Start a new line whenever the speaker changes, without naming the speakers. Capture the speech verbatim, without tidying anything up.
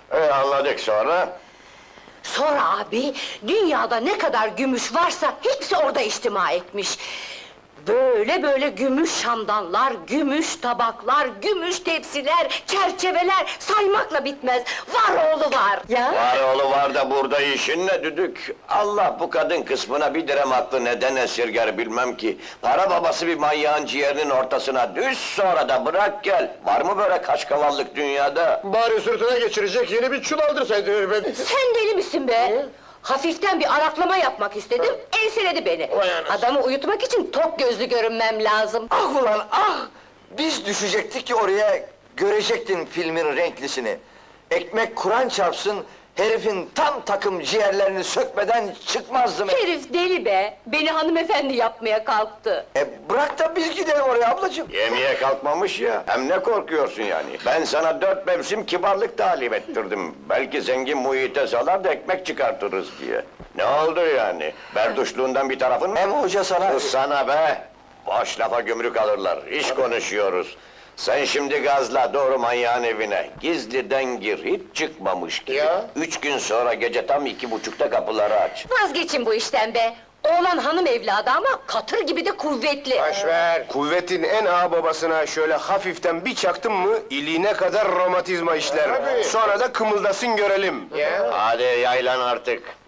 E, anladık sonra?
Sonra abi, dünyada ne kadar gümüş varsa hepsi orada içtima etmiş. Böyle böyle gümüş şamdanlar, gümüş tabaklar, gümüş tepsiler, çerçeveler saymakla bitmez. Var oğlu var ya.
Var oğlu var da burada işin ne düdük? Allah bu kadın kısmına bir direm aklı neden esirger bilmem ki. Para babası bir manyağın ciğerinin ortasına düş, sonra da bırak gel. Var mı böyle kaşkavallık dünyada?
Bari sırtına geçirecek yeni bir çul aldırsaydın ben.
Sen deli misin be? Hafiften bir araklama yapmak istedim, enseledi beni.
Vay anasını.
Adamı uyutmak için tok gözlü görünmem lazım.
Ah ulan ah! Biz düşecektik ki oraya, görecektin filmin renklisini. Ekmek Kur'an çarpsın, herifin tam takım ciğerlerini sökmeden çıkmazdım.
Herif deli be, beni hanımefendi yapmaya kalktı.
E bırak da biz gidelim oraya ablacığım.
Yemeğe kalkmamış ya, hem ne korkuyorsun yani? Ben sana dört mevsim kibarlık talim ettirdim. Belki zengin muhite salar da ekmek çıkartırız diye. Ne oldu yani? Berduşluğundan bir tarafın mı?
Hem hoca sana...
Sus sana be! Boş lafa gümrük alırlar, iş konuşuyoruz. Sen şimdi gazla doğru manyağın evine, gizliden gir, hiç çıkmamış gibi.
Ya?
Üç gün sonra gece tam iki buçukta kapıları aç.
Vazgeçin bu işten be! Oğlan hanım evladı ama katır gibi de kuvvetli.
Boşver! Kuvvetin en ağa babasına şöyle hafiften bir çaktın mı, iliğine kadar romatizma işler. Sonra da kımıldasın görelim.
Hadi yaylan artık.